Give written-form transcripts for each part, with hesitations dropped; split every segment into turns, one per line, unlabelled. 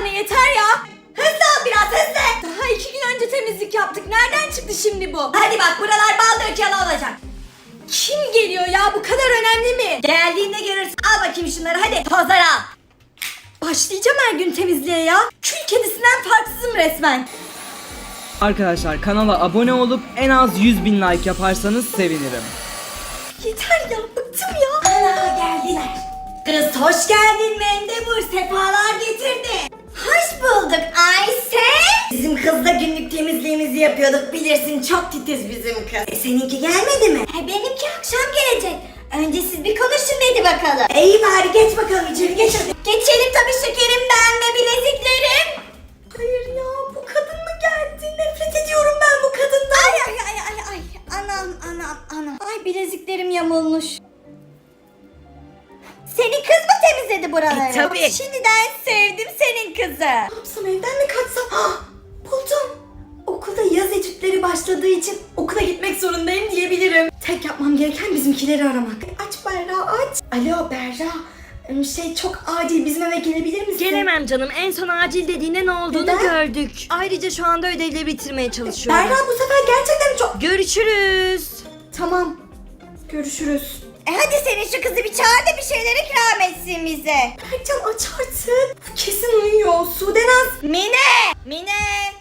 tane yeter ya. Hızlı ol biraz hızlı. Daha 2 gün önce temizlik yaptık. Nereden çıktı şimdi bu? Hadi bak buralar bal dökeli olacak. Kim geliyor ya? Bu kadar önemli mi? Geldiğinde görürsün. Al bakayım şunları hadi. Tozları al. Başlayacağım her gün temizliğe ya. Kül kedisinden farksızım resmen.
Arkadaşlar kanala abone olup en az 100.000 like yaparsanız sevinirim.
Yeter ya, bıktım ya. Ana geldiler. Kız hoş geldin Mendebur, sefalar getirdi. Hoş bulduk Ayşe. Bizim kızla günlük temizliğimizi yapıyorduk, bilirsin çok titiz bizim kız. Seninki gelmedi mi? Benimki akşam gelecek. Önce siz bir konuşun dedi bakalım. İyi bari geç bakalım içeri geç hadi. Geçelim tabii şekerim, ben ve bileziklerim. Hayır ya, bu kadın mı geldi? Nefret ediyorum ben bu kadından. Ay. Anam. Ay bileziklerim yamulmuş. Senin kız mı temizledi buraları? Tabii. Şimdiden sevdim senin kızı. Ne yapsam, evden mi kaçsam? Buldum. Okulda yaz etütleri başladığı için okula gitmek zorundayım diyebilirim. Tek yapmam gereken bizimkileri aramak. Aç Berra aç. Alo Berra. Çok acil, bizim eve gelebilir misin?
Gelemem canım. En son acil dediğinde ne olduğunu
Neden?
gördük. Ayrıca şu anda ödevleri bitirmeye çalışıyorum.
Berra bu sefer gerçekten çok...
Görüşürüz.
Tamam. Görüşürüz. Hadi senin şu kızı bir çağır da bir şeyler ikram etsin bize. Berkcan aç artık. Kesin uyuyor. Sudenaz. Mine.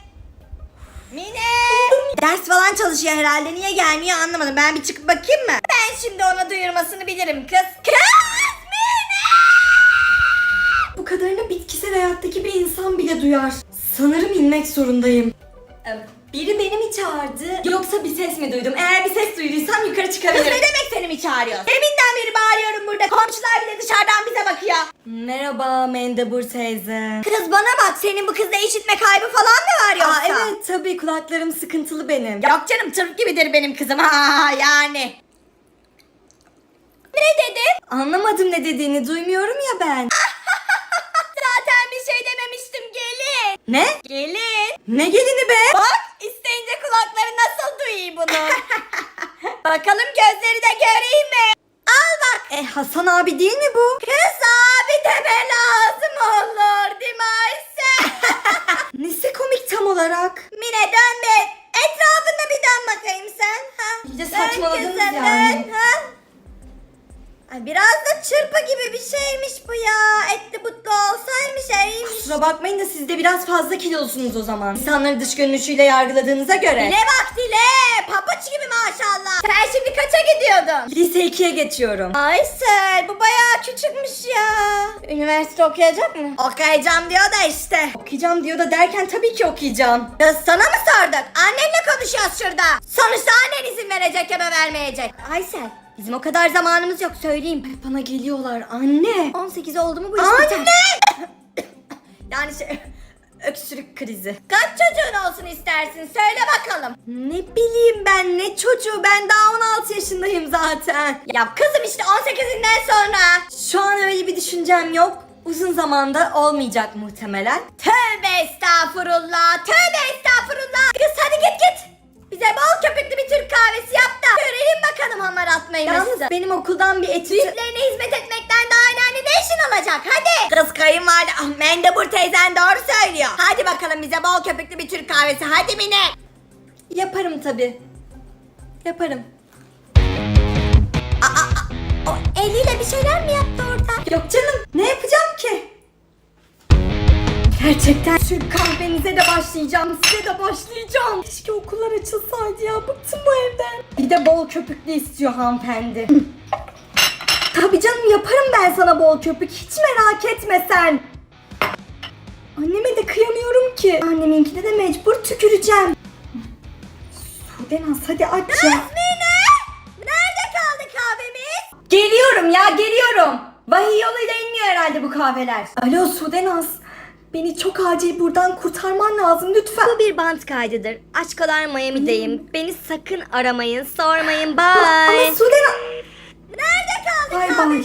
Ders falan çalışıyor herhalde. Niye gelmiyor anlamadım. Ben bir çıkıp bakayım mı? Ben şimdi ona duyurmasını bilirim kız. Kız Mine! Bu kadarını bitkisel hayattaki bir insan bile duyar. Sanırım inmek zorundayım. Biri beni mi çağırdı yoksa bir ses mi duydum? Eğer bir ses duyduysam yukarı çıkabilirim. Kız ne demek seni mi çağırıyor? Deminden beri bağırıyorum burada. Komşular bile dışarıdan bize bakıyor. Merhaba Mendebur teyze. Kız bana bak, senin bu kızda işitme kaybı falan mı var yoksa? Evet tabii, kulaklarım sıkıntılı benim. Yok canım, tırp gibidir benim kızım. Yani. Ne dedin? Anlamadım ne dediğini, duymuyorum ya ben. Zaten bir şey dememiştim, gelin. Ne? Gelin. Ne gelini be? Bak, isteyince kulakları nasıl duyuyor bunu. Bakalım gözleri de göreyim mi? Al bak. Hasan abi değil mi bu? Kız abi deme lazım olur değil mi Ayşe? Nesi komik tam olarak? Mine dön be. Etrafında bir dön bakayım sen. İyice saçmaladınız yani. Dön, ha? Ay biraz da çırpı gibi bir şeymiş bu ya. Etli butlu olsaymış iyiymiş. Kusura bakmayın da siz de biraz fazla kilolusunuz o zaman. İnsanları dış görünüşüyle yargıladığınıza göre. Dile bak dile. Papuç gibi maşallah. Sen şimdi kaça gidiyordun? Lise 2'ye geçiyorum. Aysel bu bayağı küçükmüş ya. Üniversite okuyacak mı? Okuyacağım diyor da işte. Okuyacağım diyor da derken tabii ki okuyacağım. Kız sana mı sorduk? Annenle konuşuyoruz şurada. Sonuçta annen izin verecek ya da vermeyecek. Aysel. Bizim o kadar zamanımız yok, söyleyeyim. Bana geliyorlar anne. 18 oldu mu bu iş biter. Anne! Yani öksürük krizi. Kaç çocuğun olsun istersin, söyle bakalım. Ne bileyim ben, ne çocuğu, ben daha 16 yaşındayım zaten. Ya kızım işte 18'inden sonra. Şu an öyle bir düşüncem yok. Uzun zamanda olmayacak muhtemelen. Tövbe estağfurullah, Kız hadi git. Bize bol köpüklü bir Türk kahvesi yap da görelim bakalım hamar atmayı. Yalnız benim okuldan bir etüt... Büyüklerine hizmet etmekten daha önemli ne işin olacak hadi. Kız kayınvalide Mendebur teyzen doğru söylüyor. Hadi bakalım bize bol köpüklü bir Türk kahvesi hadi Mine. Yaparım tabii. Yaparım. O eliyle bir şeyler mi yaptı orada? Yok canım, ne yapacağım ki? Gerçekten Türk kahvenize de başlayacağım, size de başlayacağım. Keşke okullar açılsaydı ya, bıktım bu evden. Bir de bol köpüklü istiyor hanımefendi. Tabii canım, yaparım ben sana bol köpük, hiç merak etme sen. Anneme de kıyamıyorum ki. Anneminkine de mecbur tüküreceğim. Sudenaz hadi aç ya. Mine! Nerede kaldı kahvemiz? Geliyorum ya, geliyorum. Vahiy yoluyla inmiyor herhalde bu kahveler. Alo Sudenaz. Beni çok acil buradan kurtarman lazım lütfen.
Bu bir bant kaydıdır. Aç kalar Miami'deyim. Beni sakın aramayın, sormayın. Bye.
Ama Sudenaz... Nerede kaldı kahvemiz?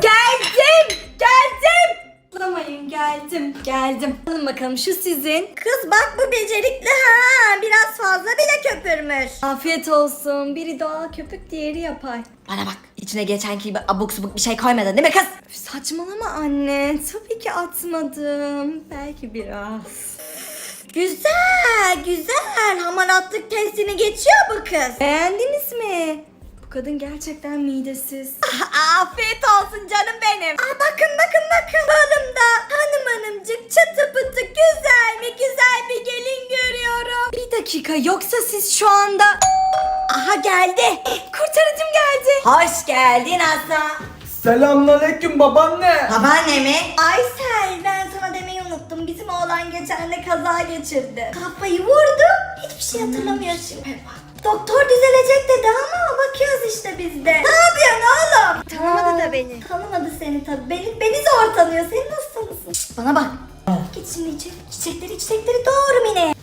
Geldim. Alın bakalım, şu sizin. Kız bak bu becerikli ha. Biraz fazla bile köpürmüş. Afiyet olsun. Biri doğal köpük, diğeri yapay.
Bana bak, içine
içine geçenki gibi abuk subuk bir şey koymadın değil mi kız?
Üf, saçmalama anne. Tabii ki atmadım. Belki biraz.
Güzel güzel, hamaratlık testini geçiyor bu kız.
Beğendiniz mi? Bu kadın gerçekten midesiz.
Afiyet olsun canım benim. Bakın balımda hanımcık çatı pıtı güzel mi güzel bir gelin görüyorum.
Bir dakika, yoksa siz şu anda...
Aha geldi.
Kurtarıcım geldi.
Hoş geldin Aslan.
Selamünaleyküm babaanne.
Babaanne mi? Aysel, ben sana demeyi unuttum. Bizim oğlan geçen de kaza geçirdi. Kafayı vurdu. Hiçbir şey hatırlamıyor şimdi. Doktor düzelecek dedi ama bakıyoruz işte biz de. Ne yapıyorsun oğlum? Tanımadı da beni. Tanımadı seni tabii. Beni zor tanıyor. Seni nasıl tanısın? Şşt, bana bak. Git şimdi içeri. Çiçekleri doğru Mine.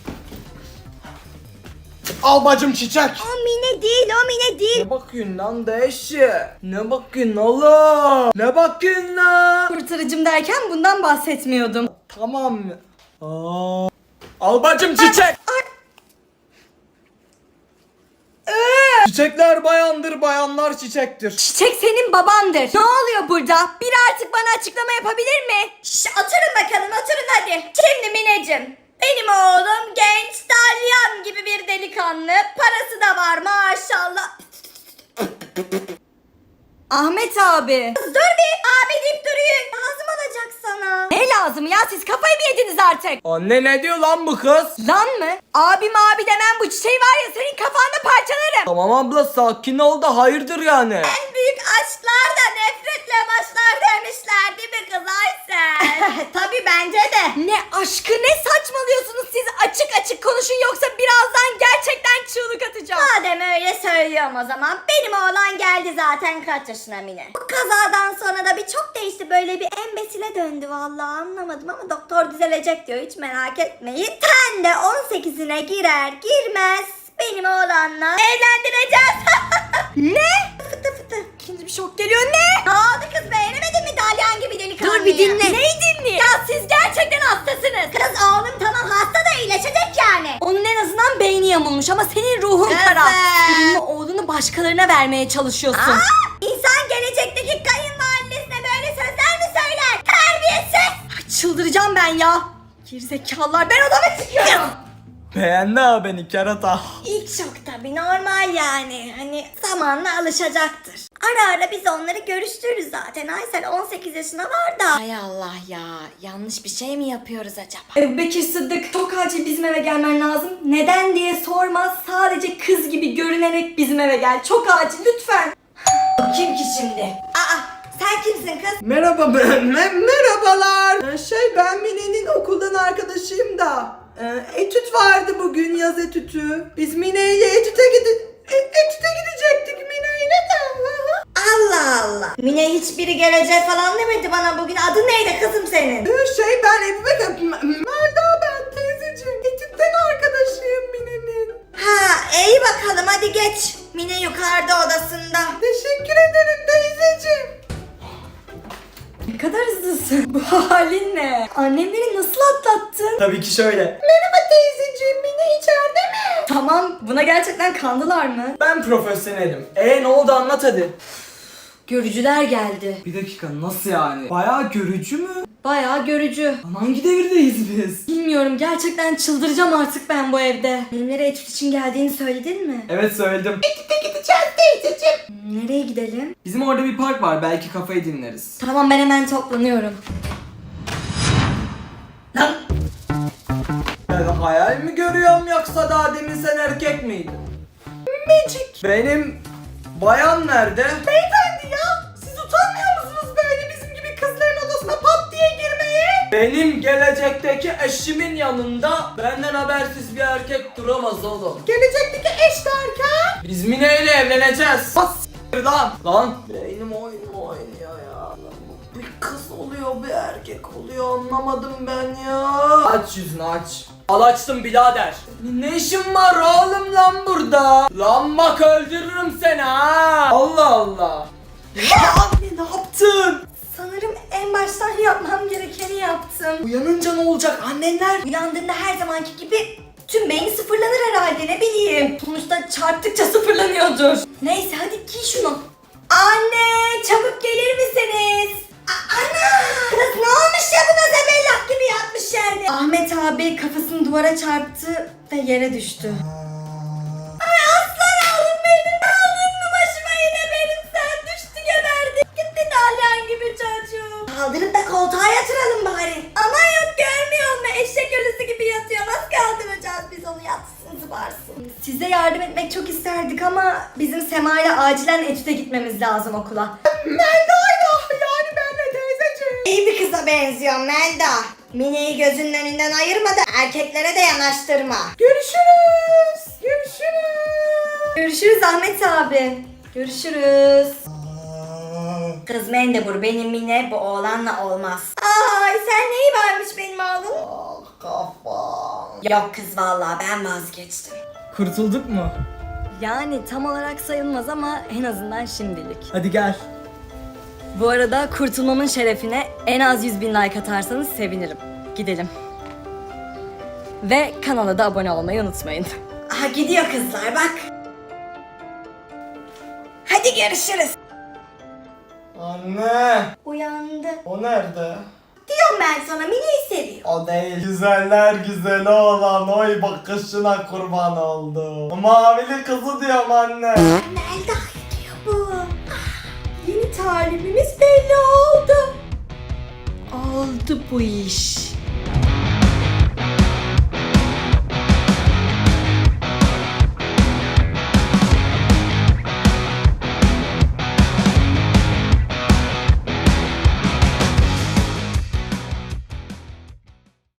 Al bacım çiçek.
O Mine değil.
Ne bakıyorsun lan deşi? Ne bakıyorsun oğlum? Ne bakıyorsun lan?
Kurtarıcım derken bundan bahsetmiyordum.
Tamam. Al bacım çiçek. Çiçekler bayandır, bayanlar çiçektir.
Çiçek senin babandır. Ne oluyor burada? Biri artık bana açıklama yapabilir mi?
Şş, oturun bakalım oturun hadi. Şimdi Mineciğim. Benim oğlum genç dalyan gibi bir delikanlı. Parası da var maşallah.
Ahmet abi.
Dur bir abi deyip duruyor. Lazım olacak sana.
Ne lazım ya? Siz kafayı mı yediniz artık?
Anne ne diyor lan bu kız?
Lan mı? Abi demem, bu çiçeği var ya senin kafanda parçalarım.
Tamam abla sakin ol da hayırdır yani.
En büyük aşklar da nefretle başlar demişler değil mi kız Aysel? Tabii bence de.
Ne aşkı, ne saçmalıyorsunuz siz? Açık konuşun, yoksa birazdan gerçekten çığlık atacağım.
Madem öyle söylüyorum o zaman. Benim oğlan geldi zaten kaç yaşına Mine. Bu kazadan sonra da bir çok değişti. Böyle bir embesile döndü vallahi anlamadım ama doktor düzelecek diyor. Hiç merak etmeyin. Sen de 18'ine girer girmez benim oğlanla evlendireceğiz.
Ne?
Fıtı fıtı.
İkinci bir şok geliyor, ne?
Ne oldu kız, beğenemedin mi dalyan gibi delikanlıyı?
Dur bir dinle.
Neyi dinle? Ya siz gerçekten hastasınız. Kız oğlum tamam hasta da iyileşecek yani.
Onun en azından beyni yamulmuş ama senin ruhun
Evet.
kara. Senin oğlunu başkalarına vermeye çalışıyorsun.
İnsan gelecekteki kayınvalidesine böyle sözler mi söyler? Terbiyesiz.
Ay, çıldıracağım ben ya. Gerizekalılar, ben odama çıkıyorum.
Beğendi ha beni kerata.
İlk şok tabii normal yani. Hani zamanla alışacaktır. Ara biz onları görüştürürüz zaten. Aysel 18 yaşına var da.
Hay Allah ya, yanlış bir şey mi yapıyoruz acaba? Ebu Bekir Sıddık, çok acil bizim eve gelmen lazım. Neden diye sorma, sadece kız gibi görünerek bizim eve gel. Çok acil, lütfen. Kim ki şimdi?
Aa sen kimsin kız?
Merhaba merhabalar. Ben Mine'nin okuldan arkadaşıyım da. Etüt vardı bugün, yaz etütü. Biz Mine'yle etüte gidecektik Mine'yle de.
Allah Allah. Mine hiçbiri gelecek falan demedi bana bugün. Adın neydi kızım senin?
Ben Ebu Bekir, Melda ben teyzeciğim. Etütten arkadaşıyım Mine'nin.
Ha iyi bakalım hadi geç. Mine yukarıda odasında.
Teşekkür ederim teyzeciğim.
Ne kadar hızlısın. Bu halin ne? Annemleri nasıl atlattın?
Tabii ki şöyle.
Merhaba teyzeciğim, Mine içeride mi?
Tamam, buna gerçekten kandılar mı?
Ben profesyonelim. Ne oldu anlat hadi.
Görücüler geldi.
Bir dakika nasıl yani? Bayağı görücü mü?
Bayağı görücü.
Lan hangi devirdeyiz biz?
Bilmiyorum, gerçekten çıldıracağım artık ben bu evde. Benimlere etüt için geldiğini söyledin mi?
Evet söyledim.
Gideceğiz teyzeciğim.
Nereye gidelim?
Bizim orada bir park var belki kafayı dinleriz.
Tamam, ben hemen toplanıyorum.
Lan
Ben hayal mi görüyorum yoksa daha demin sen erkek miydin?
Magic.
Benim bayan nerede?
Beyefendi ya, siz utanmıyor musunuz böyle bizim gibi kızların odasına pat diye girmeye?
Benim gelecekteki eşimin yanında benden habersiz bir erkek duramaz oğlum.
Gelecekteki eş derken?
Biz Mine ile evleneceğiz. Bas lan. Lan. Beynim oynuyor ya. Bir kız oluyor bir erkek oluyor anlamadım ben ya. Aç yüzünü aç. Al açtım birader. Ne işin var oğlum lan burada? Lan bak öldürürüm seni ha. Allah Allah. Lan ne yaptın?
Sanırım en baştan yapmam gerekeni yaptım.
Uyanınca ne olacak annenler?
Uyandığında her zamanki gibi tüm beyni sıfırlanır herhalde, ne bileyim. Sonuçta çarptıkça sıfırlanıyordur. Neyse hadi giy şunu.
Anne çabuk gelir misiniz? Ana! Kız ne olmuş ya buna zebellak gibi yatmış yerde.
Ahmet abi kafasını duvara çarptı ve yere düştü.
Ay aslan oğlum benim. Aldın mı başıma yine benim sen düştü geberdi. Gitti dalyan gibi çocuğum. Kaldırıp da koltuğa yatıralım bari. Ama yok görmüyor mu? Eşek ölüsü gibi yatıyor. Nasıl kaldıracağız biz onu yatsın zıbarsın.
Size yardım etmek çok isterdik ama bizim Sema ile acilen etüde gitmemiz lazım okula.
Melda'yla yani benle teyzeciğim.
İyi bir kıza benziyor Melda. Mine'yi gözünün önünden ayırma da erkeklere de yanaştırma.
Görüşürüz. Görüşürüz.
Görüşürüz Ahmet abi. Görüşürüz. Kız Mendebur benim Mine bu oğlanla olmaz.
Ay sen neyi varmış benim oğlum?
Ah kafam.
Yok kız vallahi ben vazgeçtim.
Kurtulduk mu?
Yani tam olarak sayılmaz ama en azından şimdilik.
Hadi gel.
Bu arada kurtulmamın şerefine en az 100.000 like atarsanız sevinirim. Gidelim. Ve kanala da abone olmayı unutmayın.
Aha gidiyor kızlar bak. Hadi görüşürüz.
Anne.
Uyandı.
O nerede?
Diyorum ben sana Mine'yi seviyor.
O değil. Güzeller güzeli olan oy bakışına kurban oldum. Mavili kızı diyorum anne.
Melda diyor bu. Yeni talibimiz belli oldu.
Oldu bu iş.